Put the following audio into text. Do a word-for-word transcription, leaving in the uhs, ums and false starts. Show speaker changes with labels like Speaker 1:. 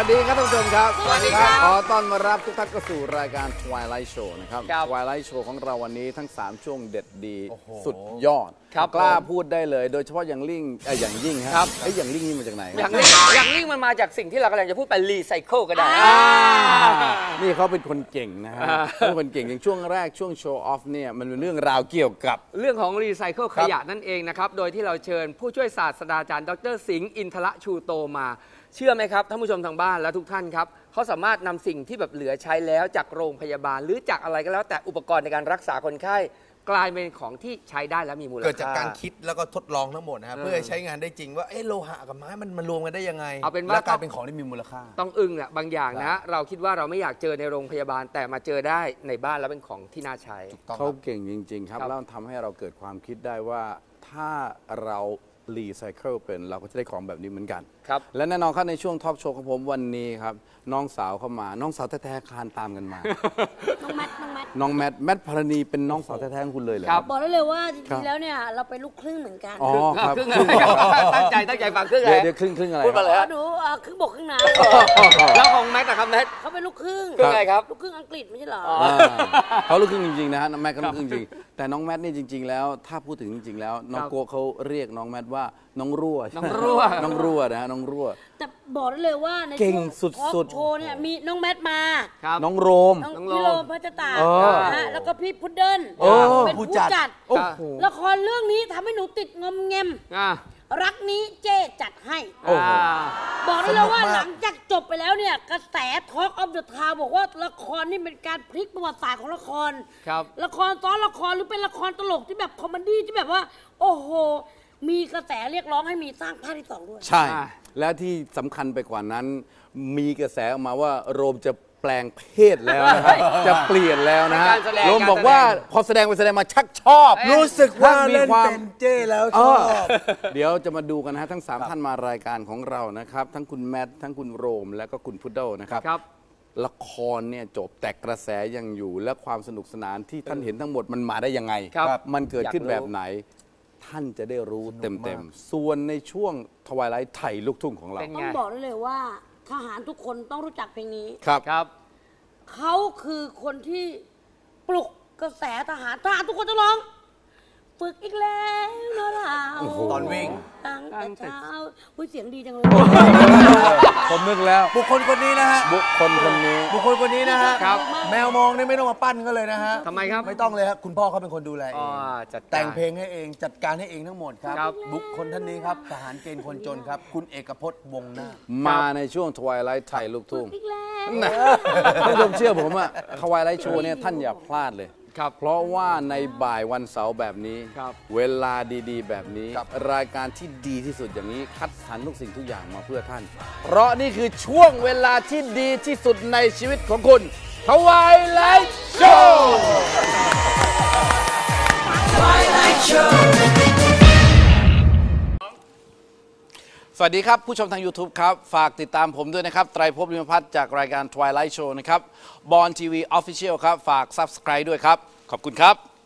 Speaker 1: ดีครับท่านผู้ชมครับ
Speaker 2: สวัสดีครับ
Speaker 1: ขอต้อนรับทุกท่านเข้าสู่รายการ Twilight Show นะครับ Twilight Show ของเราวันนี้ทั้งสามช่วงเด็ดดีสุดยอดกล้าพูดได้เลยโดยเฉพาะอย่างลิ่งไอ้อย่างยิ่งครับไอ้อย่างลิ่งนี่มาจากไหน
Speaker 2: อย่างลิ่งอย่างลิ่งมันมาจากสิ่งที่เรากำลังจะพูดไปรีไซเคิลก็ได้
Speaker 1: นี่เขาเป็นคนเก่งนะฮะเขาเป็นคนเก่งอย่างช่วงแรกช่วงโชว์ออฟเนี่ยมันเป็นเรื่องราวเกี่ยวกับ
Speaker 2: เรื่องของรีไซเคิลขยะนั่นเองนะครับโดยที่เราเชิญผู้ช่วยศาสตราจารย์ดร.สิงห์อินทระชูโตมาเชื่อไหมครับท่านผู้ชมทางบ้านและทุกท่านครับเขาสามารถนำสิ่งที่แบบเหลือใช้แล้วจากโรงพยาบาลหรือจากอะไรก็แล้วแต่อุปกรณ์ในการรักษาคนไข้กลายเป็นของที่ใช้ได้และมีมูลค่า
Speaker 3: เกิดจากการคิดแล้วก็ทดลองทั้งหมดนะครับเพื่อใช้งานได้จริงว่าเออโลหะกับไม้มันมันรวมกันได้ยังไง
Speaker 2: เอาเป็นว่า
Speaker 3: กลายเป็นของที่มีมูลค่า
Speaker 2: ต้องอึ้งแหละบางอย่างนะเราคิดว่าเราไม่อยากเจอในโรงพยาบาลแต่มาเจอได้ในบ้านแล้วเป็นของที่น่าใช้
Speaker 1: เขาเก่งจริงๆครับแล้วทำให้เราเกิดความคิดได้ว่าถ้าเรารีไซเคิลเป็นเราก็จะได้ของแบบนี้เหมือนกัน
Speaker 2: ครับ
Speaker 1: และแน่นอนครับในช่วงท็อปโชว์ของผมวันนี้ครับน้องสาวเข้ามาน้องสาวแท้ๆคลานตามกันมา
Speaker 4: น้องแมทน้องแมท
Speaker 1: น้องแมทแมทพรณีเป็นน้องสาวแท้ๆของคุณเลยเหรอ
Speaker 4: ครับบอกได้เลยว่าจริงๆแล้วเนี่ยเราเป็นลูกครึ่งเหมือนกัน
Speaker 1: อ๋อครับ
Speaker 2: ครึ่งตั้งใจตั้งใจฟังครึ่งอะไร
Speaker 1: เดี๋ยวครึ่งครึ่งอะไร
Speaker 2: พูดมาเลย
Speaker 4: ดูครึ่งบกครึ่งน้
Speaker 2: ำแล้วของแมทนะครับแมท
Speaker 4: เขาเป็นลูกครึ่ง
Speaker 2: ครึ่งอะไรครับ
Speaker 4: ลูกครึ่งอังกฤษไม่ใช่เหรอ
Speaker 1: เขาลูกครึ่งจริงๆนะฮะน้องแมทก็ลูกครึ่งจริงแต่น้องแมทนี่จริงๆแล้วถ้าพูดถึงจริงๆแล้วน้องโก้เขาเรียกน้องแมทว่าน้องรั่ว
Speaker 2: น้องรั่ว
Speaker 1: น้องรั่วนะฮะน้องรั่ว
Speaker 4: แต่บอกได้เลยว่าใน
Speaker 1: เก่งสุด
Speaker 4: ๆโชว์เนี่ยมีน้องแมทมา
Speaker 1: น้องโรม
Speaker 4: น้องพี่โรมพัชตานะแล้วก็พี่พุดเดิ้ลเป็นผู้จัดละครเรื่องนี้ทำให้หนูติดงอมแงมรักนี้เจ๊จัดให้บอกได้เลยว่าหลังจากจบไปแล้วเนี่ยกระแส Talk of the Town บอกว่าละครนี่เป็นการพลิกประวัติศาสตร์ของละครละครซ้อนละครหรือเป็นละครตลกที่แบบคอมเมดี้ที่แบบว่าโอ้โหมีกระแสเรียกร้องให้มีสร้างภาคที่สองด้วย
Speaker 1: ใช่แล้วที่สำคัญไปกว่านั้นมีกระแสออกมาว่าโรมจะแปลงเพศแล้วนะครับจะเปลี่ยนแล้วนะฮะโรมบอกว่าพอแสดงไปแสดงมาชักชอบ
Speaker 3: รู้สึกว่าเล่นเป็นเจ้แล้วชอบ
Speaker 1: เดี๋ยวจะมาดูกันนะฮะทั้งสามท่านมารายการของเรานะครับทั้งคุณแมททั้งคุณโรมและก็คุณพุดเดิ้ลนะครับละครเนี่ยจบแต่กระแสยังอยู่และความสนุกสนานที่ท่านเห็นทั้งหมดมันมาได้ยังไงมันเกิดขึ้นแบบไหนท่านจะได้รู้เต็มๆส่วนในช่วงทวายไลท์ไทยลูกทุ่งของเรา
Speaker 4: ต้องบอกได้เลยว่าทหารทุกคนต้องรู้จักเพลงนี้
Speaker 1: ครับ
Speaker 2: ครับ
Speaker 4: เขาคือคนที่ปลุกกระแสทหารทหารทุกคนจะร้องฝึกอีกแล้วนะเรา
Speaker 3: ตอนวิ่ง
Speaker 4: ตั้งแต่เช้าอุ้ยเสียงดีจังเลย
Speaker 1: ผมนึกแล้ว
Speaker 3: บุคคลคนนี้นะฮะ
Speaker 1: บุคคลคนนี้
Speaker 3: บุคคลคนนี้นะฮะแมวมองนี่ไม่ต้องมาปั้นก็เลยนะฮะ
Speaker 2: ทำไมครับ
Speaker 3: ไม่ต้องเลยครับคุณพ่อเขาเป็นคนดูแลเองแต่งเพลงให้เองจัดการให้เองทั้งหมดครับบุคคลท่านนี้ครับทหารเกณฑ์คนจนครับคุณเอกพจน์วงศ์นาค
Speaker 1: มาในช่วงทวายไลท์ไทยลูกทุ่งท่านผู้ชมเชื่อผมอะทวายไลท์โชว์เนี่ยท่านอย่าพลาดเลยเพราะว่าในบ่ายวันเสาร์แบบนี้เวลาดีๆแบบนี้รายการที่ดีที่สุดอย่างนี้คัดสรรทุกสิ่งทุกอย่างมาเพื่อท่านเพราะนี่คือช่วงเวลาที่ดีที่สุดในชีวิตของคุณทวายไลท์โชว์ทวายไลท์โชว์สวัสดีครับผู้ชมทาง YouTube ครับฝากติดตามผมด้วยนะครับไตรภพ ลิมพัฒน์จากรายการ Twilight Show นะครับบอลทีวี Official ครับฝาก Subscribe ด้วยครับขอบคุณครับ